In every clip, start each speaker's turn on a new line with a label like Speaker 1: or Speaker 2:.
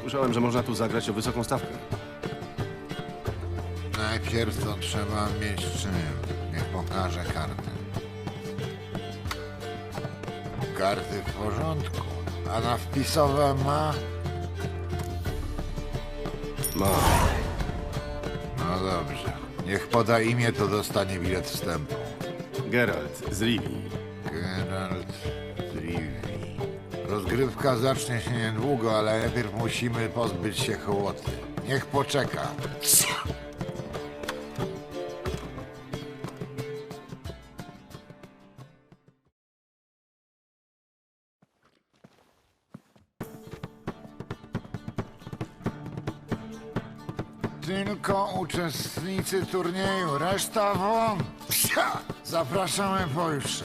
Speaker 1: Słyszałem, że można tu zagrać o wysoką stawkę.
Speaker 2: Najpierw to trzeba mieć czym. Niech pokaże karty. Karty w porządku. A na wpisowe ma?
Speaker 1: Ma.
Speaker 2: No dobrze. Niech poda imię, to dostanie bilet wstępu.
Speaker 1: Geralt z Rivii.
Speaker 2: Geralt z Rivii. Rozgrywka zacznie się niedługo, ale najpierw musimy pozbyć się hołoty. Niech poczeka. Tylko uczestnicy turnieju, reszta won! Psia! Zapraszamy pojutrze.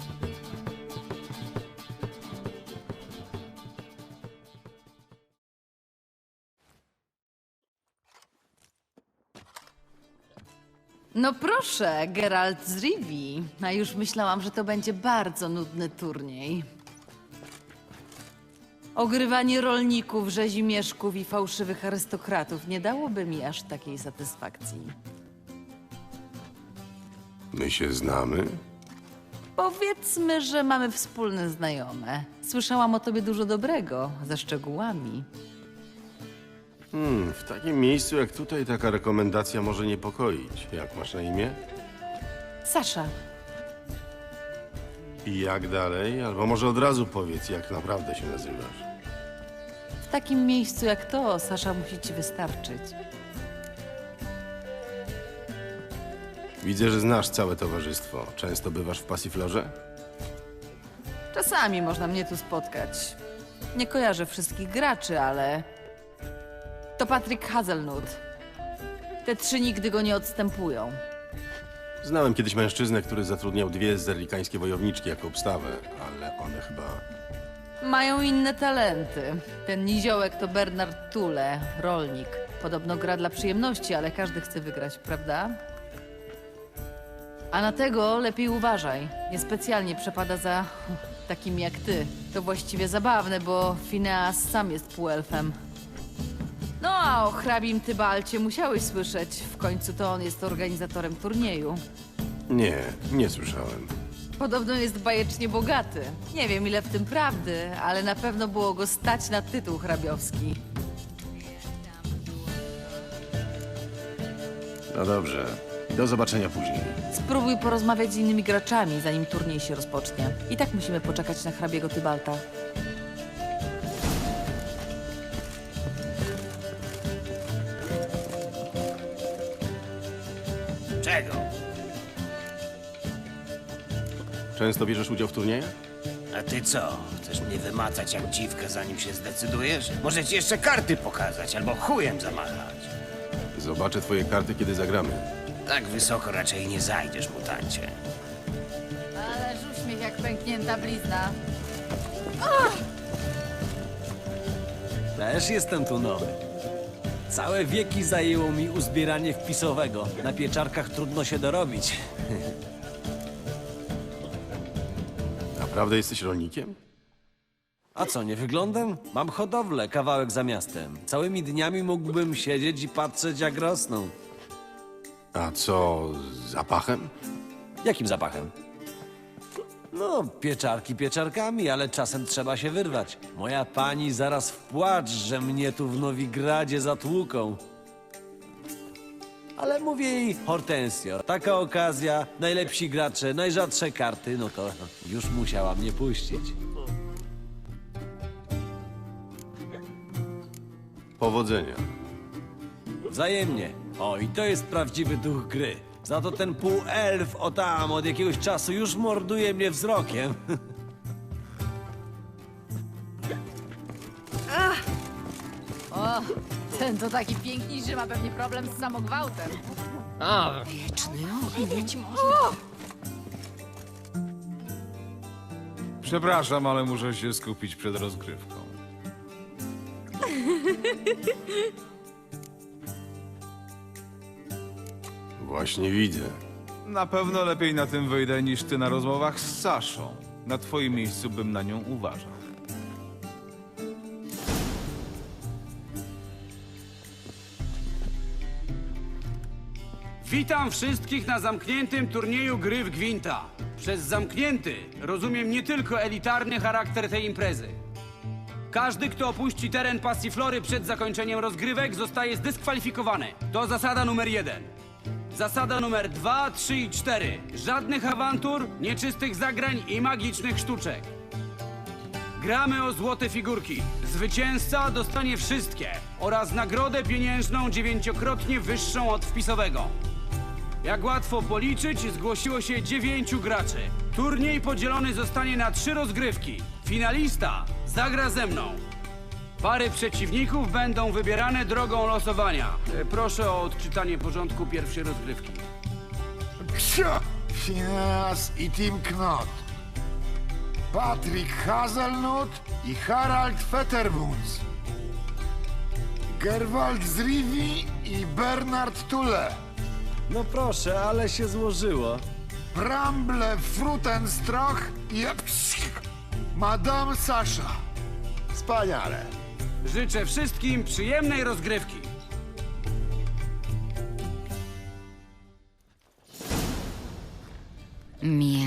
Speaker 3: No proszę, Geralt z Rivii. A już myślałam, że to będzie bardzo nudny turniej. Ogrywanie rolników, rzezimieszków i fałszywych arystokratów nie dałoby mi aż takiej satysfakcji.
Speaker 1: My się znamy?
Speaker 3: Powiedzmy, że mamy wspólne znajome. Słyszałam o tobie dużo dobrego, ze szczegółami.
Speaker 1: W takim miejscu jak tutaj taka rekomendacja może niepokoić. Jak masz na imię?
Speaker 3: Sasza,
Speaker 1: I jak dalej? Albo może od razu powiedz, jak naprawdę się nazywasz.
Speaker 3: w takim miejscu jak to, Sasza musi ci wystarczyć.
Speaker 1: Widzę, że znasz całe towarzystwo. Często bywasz w Passiflorze?
Speaker 3: Czasami można mnie tu spotkać. Nie kojarzę wszystkich graczy, ale... To Patryk Hazelnut. Te trzy nigdy go nie odstępują.
Speaker 1: Znałem kiedyś mężczyznę, który zatrudniał dwie zerlikańskie wojowniczki jako obstawę, ale one chyba...
Speaker 3: Mają inne talenty. Ten niziołek to Bernard Tule, rolnik. Podobno gra dla przyjemności, ale każdy chce wygrać, prawda? A na tego lepiej uważaj. Niespecjalnie przepada za takim jak ty. To właściwie zabawne, bo Phineas sam jest półelfem. No a o hrabim Tybalcie musiałeś słyszeć. W końcu to on jest organizatorem turnieju.
Speaker 1: Nie słyszałem.
Speaker 3: Podobno jest bajecznie bogaty. Nie wiem ile w tym prawdy, ale na pewno było go stać na tytuł hrabiowski.
Speaker 1: No dobrze. Do zobaczenia później.
Speaker 3: Spróbuj porozmawiać z innymi graczami, zanim turniej się rozpocznie. I tak musimy poczekać na hrabiego Tybalta.
Speaker 4: Czego?
Speaker 1: Często bierzesz udział w turniejach?
Speaker 4: A ty co? Chcesz mnie wymacać jak dziwkę, zanim się zdecydujesz? Może ci jeszcze karty pokazać, albo chujem zamachać.
Speaker 1: Zobaczę twoje karty, kiedy zagramy.
Speaker 4: Tak wysoko raczej nie zajdziesz, mutancie.
Speaker 3: Ależ uśmiech jak pęknięta blizna.
Speaker 5: Też jestem tu nowy. Całe wieki zajęło mi uzbieranie wpisowego. Na pieczarkach trudno się dorobić.
Speaker 1: Naprawdę jesteś rolnikiem?
Speaker 5: A co, nie wyglądam? Mam hodowlę, kawałek za miastem. Całymi dniami mógłbym siedzieć i patrzeć, jak rosną.
Speaker 1: A co z zapachem?
Speaker 5: Jakim zapachem? No, pieczarki pieczarkami, ale czasem trzeba się wyrwać. Moja pani zaraz w płacz, że mnie tu w Nowigradzie zatłuką. Ale mówię jej, Hortensio, taka okazja, najlepsi gracze, najrzadsze karty, no to już musiała mnie puścić.
Speaker 1: Powodzenia.
Speaker 5: Wzajemnie. O, i to jest prawdziwy duch gry. Za to ten półelf o tam od jakiegoś czasu już morduje mnie wzrokiem.
Speaker 3: O, ten to taki piękny, że ma pewnie problem z samogwałtem.
Speaker 6: Przepraszam, ale muszę się skupić przed rozgrywką.
Speaker 1: Właśnie widzę.
Speaker 6: Na pewno lepiej na tym wyjdę niż ty na rozmowach z Saszą. Na twoim miejscu bym na nią uważał.
Speaker 7: Witam wszystkich na zamkniętym turnieju gry w Gwinta. Przez zamknięty rozumiem nie tylko elitarny charakter tej imprezy. Każdy, kto opuści teren Passiflory przed zakończeniem rozgrywek, zostaje zdyskwalifikowany. To zasada numer 1. Zasada numer 2, 3 i 4. Żadnych awantur, nieczystych zagrań i magicznych sztuczek. Gramy o złote figurki. Zwycięzca dostanie wszystkie oraz nagrodę pieniężną 9-krotnie wyższą od wpisowego. Jak łatwo policzyć, zgłosiło się 9 graczy. Turniej podzielony zostanie na 3 rozgrywki. Finalista zagra ze mną. Pary przeciwników będą wybierane drogą losowania. Proszę o odczytanie porządku pierwszej rozgrywki.
Speaker 2: Ksio! Phineas i Tim Knot. Patrick Hazelnut i Harald Fetterbunds. Gerwald z Rivii i Bernard Tulle.
Speaker 5: No proszę, ale się złożyło.
Speaker 2: Bramble Frutenstrach i Madame Sasha.
Speaker 1: Wspaniale.
Speaker 7: Życzę wszystkim przyjemnej rozgrywki.
Speaker 3: Miej